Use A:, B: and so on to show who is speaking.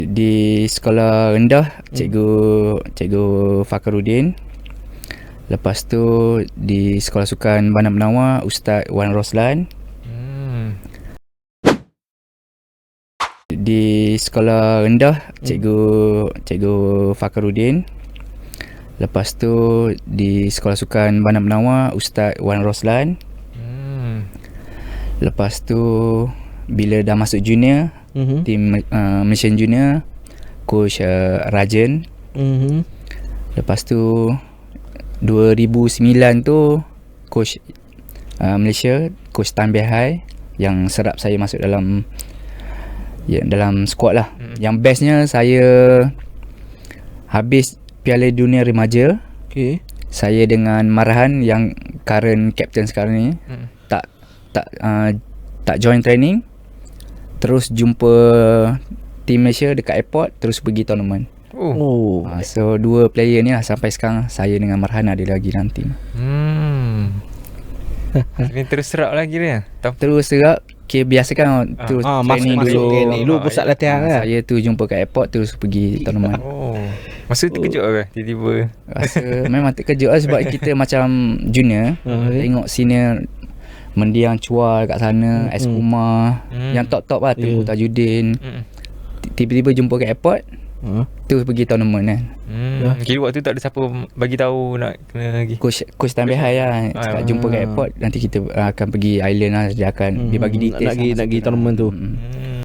A: Di sekolah rendah Cikgu Fakhruddin. Lepas tu di sekolah sukan Bandar Menawar Ustaz Wan Roslan. Di sekolah rendah Cikgu Fakhruddin. Lepas tu di sekolah sukan Bandar Menawar Ustaz Wan Roslan. Lepas tu bila dah masuk junior, tim Malaysian Junior, Coach Rajan. Lepas tu 2009 tu Coach Malaysia, Coach Tan Behai yang serap saya masuk dalam squad lah. Yang bestnya saya habis Piala Dunia Remaja. Saya dengan Marhan yang current captain sekarang ni tak join training, terus jumpa tim Malaysia dekat airport, terus pergi tournament. So dua player ni lah sampai sekarang saya dengan Marhan ada lagi dalam team.
B: Ini terus serap lagi dia.
A: Terus serap. Okay, biasa kan terus training dulu.
C: Dulu pusat latihan kan.
A: Saya tu jumpa kat airport terus pergi tournament.
B: Masa tu terkejut ke tiba-tiba?
A: Rasa memang terkejut lah sebab kita macam junior, tengok senior mendiang Chua kat sana, S. Kumar, yang top-top lah, Tengku Tajuddin. Tiba-tiba jumpa kat airport, terus pergi tournament kan.
B: Kira waktu tu tak ada siapa bagi tahu nak kena lagi.
A: Coach Tan Behai lah cakap jumpa kat airport, nanti kita akan pergi island lah, dia akan dia bagi details
C: nak pergi tournament tu.